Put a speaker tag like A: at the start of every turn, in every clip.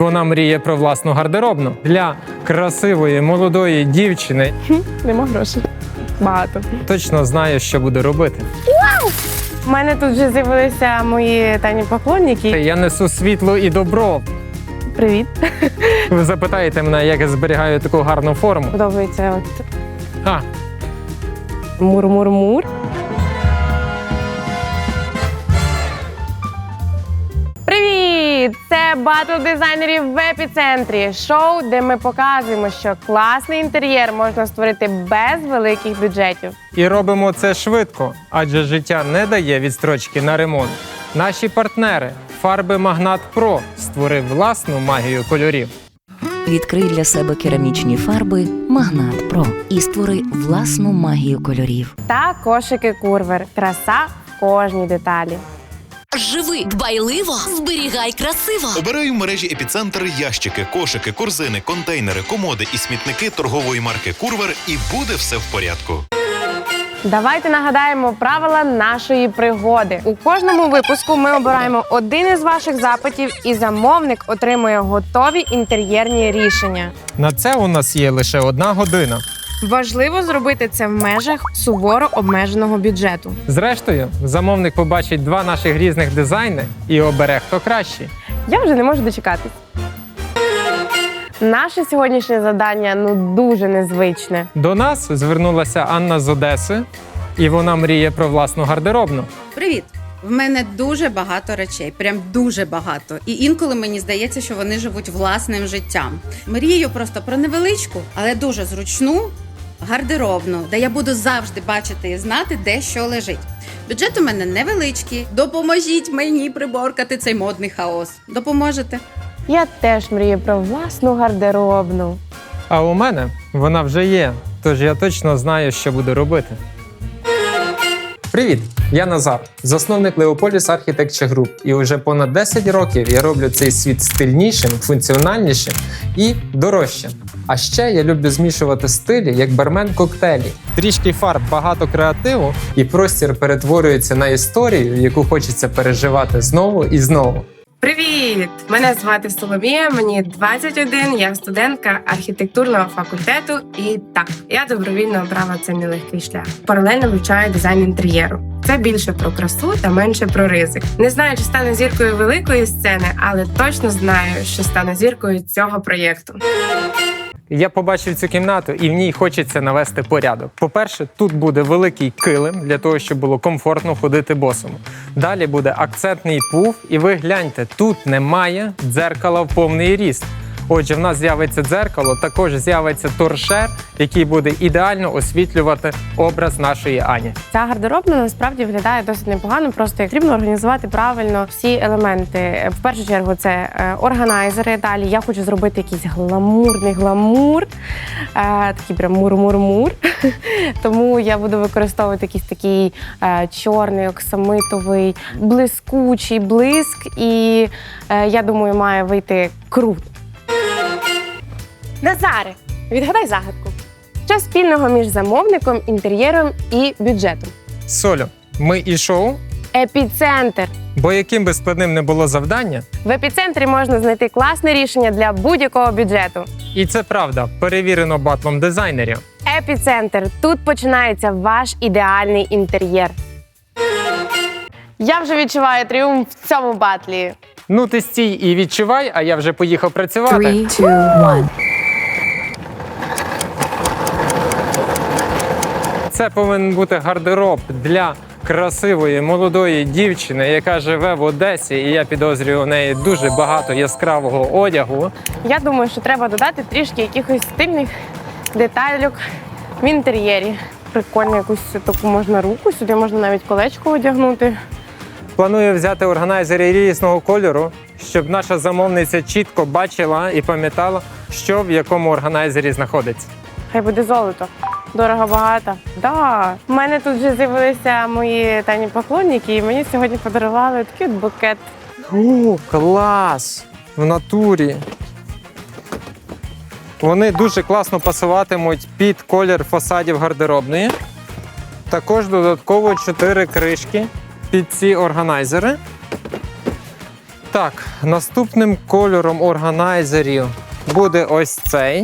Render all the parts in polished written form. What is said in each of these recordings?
A: Вона мріє про власну гардеробну для красивої молодої дівчини.
B: Нема грошей. Багато.
A: Точно знає, що буде робити.
B: У мене тут вже з'явилися мої тайні поклонники.
A: Я несу світло і добро.
B: Привіт.
A: Ви запитаєте мене, як я зберігаю таку гарну форму.
B: Подобається от
A: А,
B: мур-мур-мур. Привіт! Це батл дизайнерів в епіцентрі. Шоу, де ми показуємо, що класний інтер'єр можна створити без великих бюджетів.
A: і робимо це швидко, адже життя не дає відстрочки на ремонт. Наші партнери фарби Магнат Про створив власну магію кольорів.
C: Відкрий для себе керамічні фарби Магнат Про і створи власну магію кольорів.
B: Та кошики Курвер. Краса в кожній деталі.
D: Живи дбайливо, зберігай красиво.
E: Обирай в мережі «Епіцентр» ящики, кошики, корзини, контейнери, комоди і смітники торгової марки «Курвер» і буде все в порядку.
B: Давайте нагадаємо правила нашої пригоди. У кожному випуску ми обираємо один із ваших запитів, і замовник отримує готові інтер'єрні рішення.
A: На це у нас є лише 1 година.
B: Важливо зробити це в межах суворо обмеженого бюджету.
A: Зрештою, замовник побачить 2 наших різних дизайни і обере, хто кращий.
B: Я вже не можу дочекатись. Наше сьогоднішнє завдання дуже незвичне.
A: До нас звернулася Анна з Одеси, і вона мріє про власну гардеробну.
F: Привіт! В мене дуже багато речей, прям дуже багато. І інколи мені здається, що вони живуть власним життям. Мрію просто про невеличку, але дуже зручну гардеробну, де я буду завжди бачити і знати, де що лежить. Бюджет у мене невеличкий. Допоможіть мені приборкати цей модний хаос. Допоможете?
B: Я теж мрію про власну гардеробну.
A: А у мене вона вже є, тож я точно знаю, що буду робити. Привіт! Я Назар, засновник Leopolis Architecture Group. І вже понад 10 років я роблю цей світ стильнішим, функціональнішим і дорожчим. А ще я люблю змішувати стилі, як бармен коктейлі. Трішки фарб, багато креативу, і простір перетворюється на історію, яку хочеться переживати знову і знову.
B: Привіт! Мене звати Соломія, мені 21, я студентка архітектурного факультету. І так, я добровільно обрала цей нелегкий шлях. Паралельно вивчаю дизайн інтер'єру. Це більше про красу та менше про ризик. Не знаю, чи стану зіркою великої сцени, але точно знаю, що стану зіркою цього проєкту.
A: Я побачив цю кімнату, і в ній хочеться навести порядок. По-перше, тут буде великий килим, для того, щоб було комфортно ходити босому. Далі буде акцентний пуф, і ви гляньте, тут немає дзеркала в повний ріст. Отже, в нас з'явиться дзеркало, також з'явиться торшер, який буде ідеально освітлювати образ нашої Ані.
B: Ця гардеробна насправді виглядає досить непогано, просто як потрібно організувати правильно всі елементи. В першу чергу це органайзери. Далі я хочу зробити якийсь гламурний гламур, такий прям мур-мур-мур. Тому я буду використовувати якийсь такий чорний, оксамитовий, блискучий блиск. І я думаю, має вийти круто. Назаре, відгадай загадку. Що спільного між замовником, інтер'єром і бюджетом?
A: Солю, ми і шоу,
B: Епіцентр.
A: бо яким би складним не було завдання,
B: В епіцентрі можна знайти класне рішення для будь-якого бюджету.
A: і це правда, перевірено батлом дизайнерів.
B: Епіцентр. Тут починається ваш ідеальний інтер'єр. Я вже відчуваю тріумф в цьому батлі.
A: Ну ти стій і відчувай, а я вже поїхав працювати.
C: 3, 2, 1.
A: Це повинен бути гардероб для красивої молодої дівчини, яка живе в Одесі, і я підозрюю, у неї дуже багато яскравого одягу.
B: Я думаю, що треба додати трішки якихось стильних деталюк в інтер'єрі. Прикольно, якусь таку можна руку, сюди можна навіть колечко одягнути.
A: Планую взяти органайзери різного кольору, щоб наша замовниця чітко бачила і пам'ятала, що в якому органайзері знаходиться.
B: Хай буде золото. Дорого-багато. Да. У мене тут вже з'явилися мої тайні поклонники, і мені сьогодні подарували такий от букет.
A: О, клас! В натурі. Вони дуже класно пасуватимуть під колір фасадів гардеробної. Також додатково 4 кришки під ці органайзери. Так, наступним кольором органайзерів буде ось цей.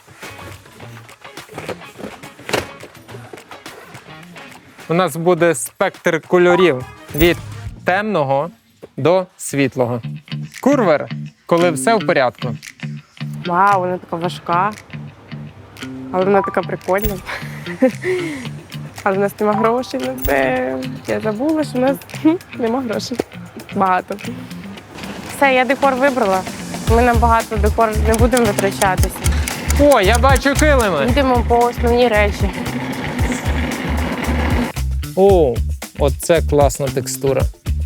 A: У нас буде спектр кольорів від темного до світлого. Курвер, коли все в порядку.
B: Вау, вона така важка. Але вона така прикольна. Але в нас нема грошей на це. Я забула, що в нас нема грошей. Багато. Все, я декор вибрала. Ми на багато декор не будемо витрачатися.
A: О, я бачу килими!
B: Йдемо по основні речі.
A: О, оце класна текстура.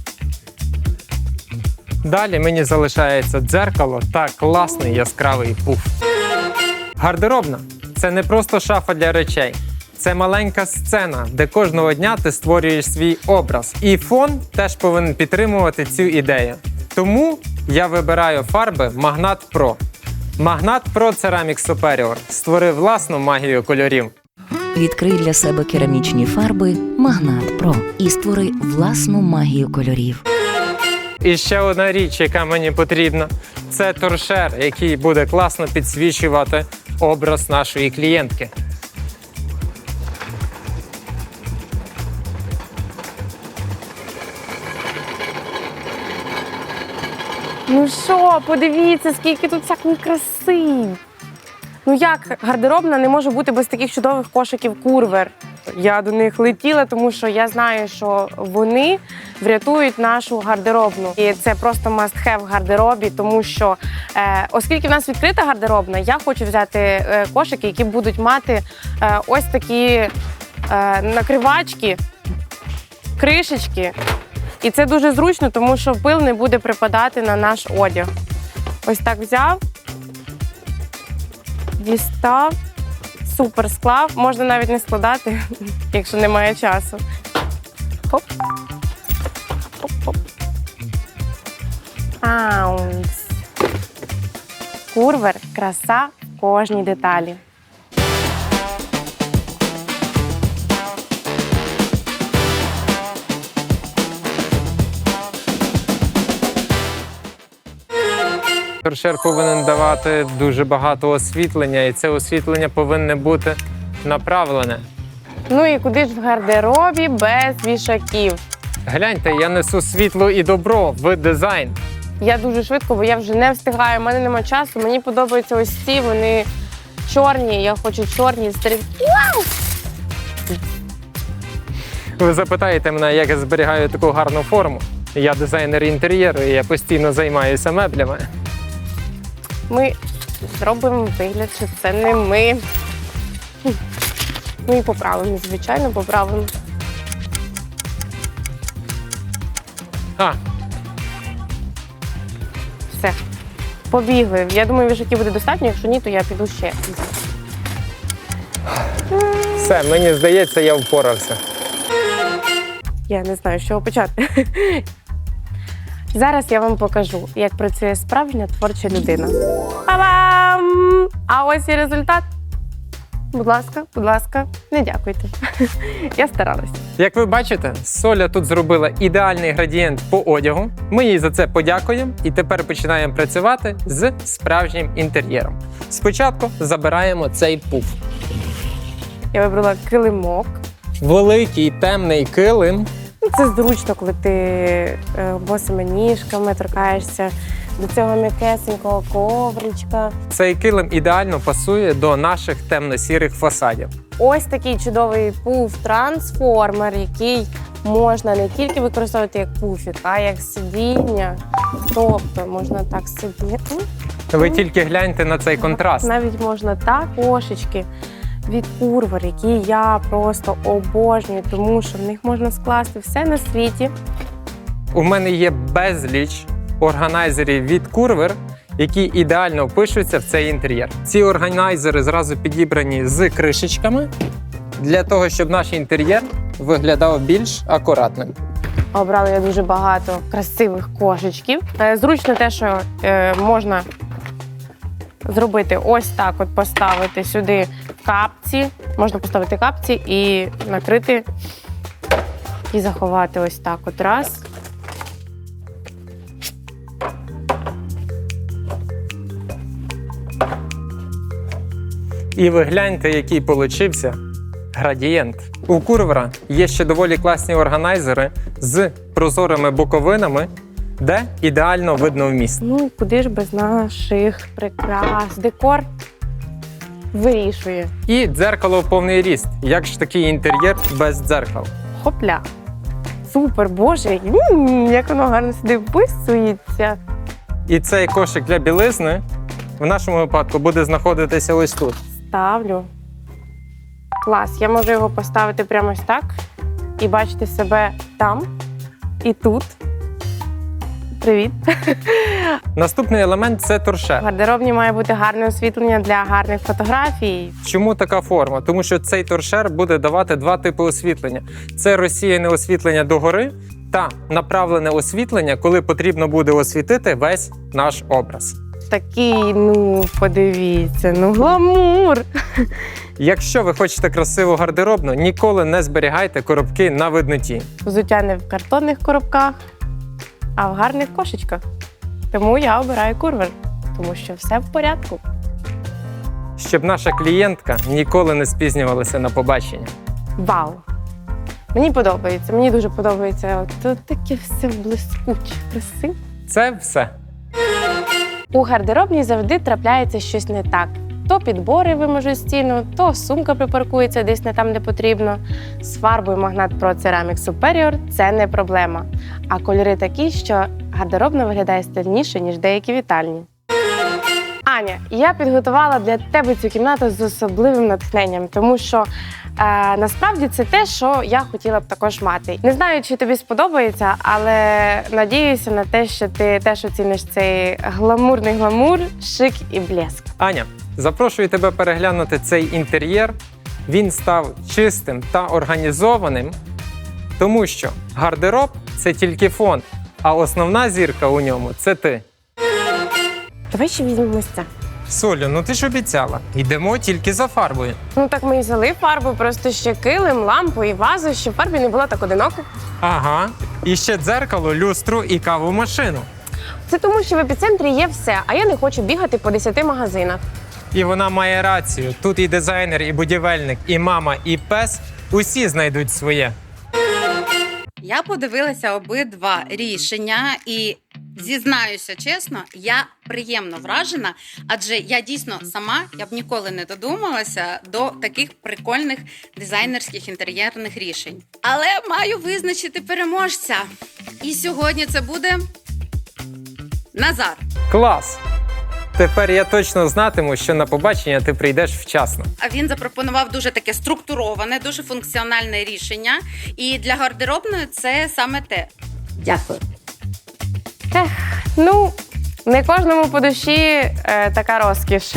A: Далі мені залишається дзеркало та класний яскравий пуф. Гардеробна – це не просто шафа для речей. Це маленька сцена, де кожного дня ти створюєш свій образ. І фон теж повинен підтримувати цю ідею. Тому я вибираю фарби Magnat Pro. Magnat Pro Ceramic Superior створив власну магію кольорів.
C: Відкрий для себе керамічні фарби Магнат Про і створи власну магію кольорів.
A: І ще одна річ, яка мені потрібна, це торшер, який буде класно підсвічувати образ нашої клієнтки.
B: Ну що, подивіться, скільки тут всякої краси. Ну як гардеробна не може бути без таких чудових кошиків Курвер? Я до них летіла, тому що я знаю, що вони врятують нашу гардеробну. І це просто must-have в гардеробі, тому що, оскільки в нас відкрита гардеробна, я хочу взяти кошики, які будуть мати ось такі накривачки, кришечки. І це дуже зручно, тому що пил не буде припадати на наш одяг. Ось так взяв, дістав, супер склав. Можна навіть не складати, якщо немає часу. Хоп. Хоп-хоп. Аунс. Курвер – краса в кожній деталі.
A: Торшер повинен давати дуже багато освітлення, і це освітлення повинне бути направлене.
B: Ну і куди ж в гардеробі без вішаків?
A: Гляньте, я несу світло і добро в дизайн.
B: Я дуже швидко, бо я вже не встигаю, у мене немає часу. Мені подобаються ось ці, вони чорні, я хочу чорні стрічки.
A: Ви запитаєте мене, як я зберігаю таку гарну форму. Я дизайнер інтер'єру, і я постійно займаюся меблями.
B: Ми зробимо вигляд, що це не ми. Ну і поправимо, звичайно, поправимо.
A: А,
B: Все. Побігли. Я думаю, вішаків буде достатньо, якщо ні, то я піду ще.
A: все, мені здається, я впорався.
B: Я не знаю, з чого почати. Зараз я вам покажу, як працює справжня творча людина. Па-бам! А ось і результат. Будь ласка, не дякуйте. Я старалась.
A: Як ви бачите, Соля тут зробила ідеальний градієнт по одягу. Ми їй за це подякуємо і тепер починаємо працювати з справжнім інтер'єром. Спочатку забираємо цей пуф.
B: Я вибрала килимок.
A: Великий темний килим.
B: Це зручно, коли ти босими ніжками торкаєшся до цього м'якесенького ковричка.
A: Цей килим ідеально пасує до наших темно-сірих фасадів.
B: Ось такий чудовий пуф-трансформер, який можна не тільки використовувати як пуфік, а як сидіння. Тобто можна так сидіти.
A: Ви тільки гляньте на цей контраст.
B: Навіть можна так. Кошечки від Курвер, які я просто обожнюю, тому що в них можна скласти все на світі.
A: У мене є безліч органайзерів від Курвер, які ідеально впишуться в цей інтер'єр. Ці органайзери зразу підібрані з кришечками, для того, щоб наш інтер'єр виглядав більш акуратним.
B: Обрала я дуже багато красивих кошечків. Зручно те, що можна зробити ось так, от поставити сюди капці. Можна поставити капці і накрити, і заховати ось так от раз.
A: І ви гляньте, який получився градієнт. У Курвера є ще доволі класні органайзери з прозорими боковинами, де ідеально видно вміст.
B: Ну, куди ж без наших прикрас. Декор вирішує.
A: І дзеркало в повний ріст. Як ж такий інтер'єр без дзеркал?
B: Хопля. Супер, боже, як воно гарно сюди вписується.
A: І цей кошик для білизни в нашому випадку буде знаходитися ось тут.
B: Ставлю. Клас, я можу його поставити прямо ось так і бачити себе там і тут. Привіт.
A: Наступний елемент – це
B: В
A: торшер.
B: гардеробні має бути гарне освітлення для гарних фотографій.
A: Чому така форма? Тому що цей торшер буде давати два типи освітлення. Це розсіяне освітлення догори та направлене освітлення, коли потрібно буде освітити весь наш образ.
B: Такий, ну, подивіться, ну, гламур.
A: Якщо ви хочете красиву гардеробну, ніколи не зберігайте коробки на видноті.
B: Взуття не в картонних коробках, а в гарних кошечках. Тому я обираю Курвер, тому що все в порядку.
A: Щоб наша клієнтка ніколи не спізнювалася на побачення.
B: Вау! Мені подобається, мені дуже подобається. От таке все блискуче, красиве.
A: Це все.
B: У гардеробній завжди трапляється щось не так. То підбори виможуть стіну, то сумка припаркується десь не там, де потрібно. З фарбою Магнат Pro Ceramic Superior – це не проблема. А кольори такі, що гардеробна виглядає стильніше, ніж деякі вітальні. Аня, я підготувала для тебе цю кімнату з особливим натхненням, тому що насправді це те, що я хотіла б також мати. Не знаю, чи тобі сподобається, але надіюся на те, що ти теж оціниш цей гламурний гламур, шик і блеск.
A: Аня, запрошую тебе переглянути цей інтер'єр. Він став чистим та організованим, тому що гардероб – це тільки фон, а основна зірка у ньому – це ти.
B: Давай ще візьмемо це.
A: Солю, ну ти ж обіцяла. Йдемо тільки за фарбою.
B: Ну так ми і взяли фарбу, просто ще килим, лампу і вазу, щоб фарбі не було так одиноко.
A: Ага. І ще дзеркало, люстру і кавомашину.
B: Це тому, що в епіцентрі є все, а я не хочу бігати по 10 магазинах.
A: І вона має рацію. Тут і дизайнер, і будівельник, і мама, і пес – усі знайдуть своє.
F: Я подивилася обидва рішення і зізнаюся чесно, я приємно вражена, адже я дійсно сама, я б ніколи не додумалася до таких прикольних дизайнерських інтер'єрних рішень. Але маю визначити переможця. І сьогодні це буде Назар.
A: Клас! Тепер я точно знатиму, що на побачення ти прийдеш вчасно.
F: А він запропонував дуже таке структуроване, дуже функціональне рішення. І для гардеробної це саме те. Дякую.
B: Ну, не кожному по душі така розкіш.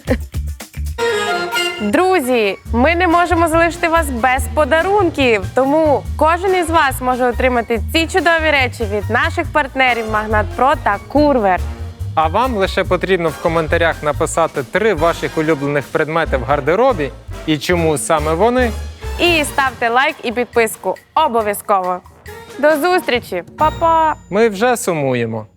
B: Друзі, ми не можемо залишити вас без подарунків, тому кожен із вас може отримати ці чудові речі від наших партнерів Магнат Про та Курвер.
A: А вам лише потрібно в коментарях написати 3 ваших улюблених предмети в гардеробі і чому саме вони.
B: І ставте лайк і підписку. Обов'язково. До зустрічі! Па-па!
A: Ми вже сумуємо.